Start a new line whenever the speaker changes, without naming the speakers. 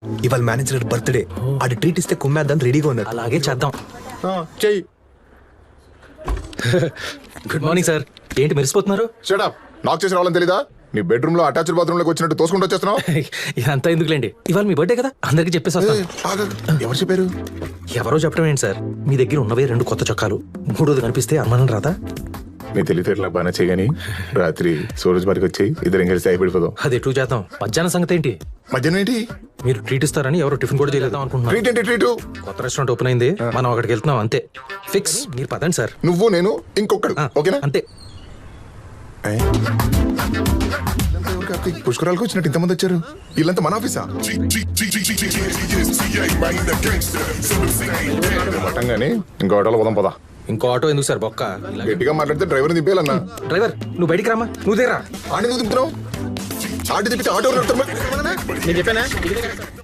ఇవాళ manager birthday, ఆడి treat ఇస్తే కుమ్మేద్దాం రెడీగా ఉన్నారు.
అలాగే చేద్దాం.
చెయ్యి.
Good morning sir. ఏంటి మెరిసిపోతున్నారు?
షటప్. నాకు చేసి రావాలని తెలీదా? నీ బెడ్రూమ్ లో అటాచ్డ్ బాత్రూమ్ లోకి వచ్చినట్టు తోసుకుంటూ వచ్చేస్తున్నావు.
ఇదంతా ఎందుకులేండి, ఇవాళ మీ బర్త్డే కదా, అందరికి చెప్పేసి వస్తాను.
ఎవరు చెప్పారు?
ఎవరో చెప్పడం ఏంటి సార్, మీ దగ్గర ఉన్నవే 2 కొత్త చొక్కాలు, 3వది కనిపిస్తే అనుమానం రాదా?
నీ తెలివితేటలా బాగా చేయగాని రాత్రి సూరజ్ బారికి వచ్చి ఇద్దరం కలిసి అయిపోయిపోదాం.
అది ఎటు చేద్దాం. మధ్యాహ్నం సంగతి ఏంటి?
మధ్యాహ్నం ఏంటి?
మీరు ట్రీట్ ఇస్తారని ఎవరు టిఫిన్ కూడా చేయలేదాం అనుకుంటున్నారు.
ట్రీట్ ఏంటి? ట్రీట్
కొత్త రెస్టారెంట్ ఓపెన్ అయింది, మనం అక్కడికి వెళ్తున్నాం అంతే. ఫిక్స్. మీరు పదండి సార్.
నువ్వు నేను ఇంకొకడు, ఓకేనా?
అంతే.
పుష్కరాలకు వచ్చినట్టు ఇంతమంది వచ్చారు. వీళ్ళంతా మన ఆఫీసా? మటంగానే ఇంకో ఆటోలో పోదాం పదా.
ఇంకో ఆటో ఎందుకు సార్, బొక్క.
గట్టిగా మాట్లాడితే డ్రైవర్ దింపేయాలన్నా.
డ్రైవర్ నువ్వు బయటికి రామా, నువ్వు దేరా.
ఆడి నువ్వు దింపుతున్నావు. ఆడి తిప్పితే ఆటో
నేను చెప్పానా?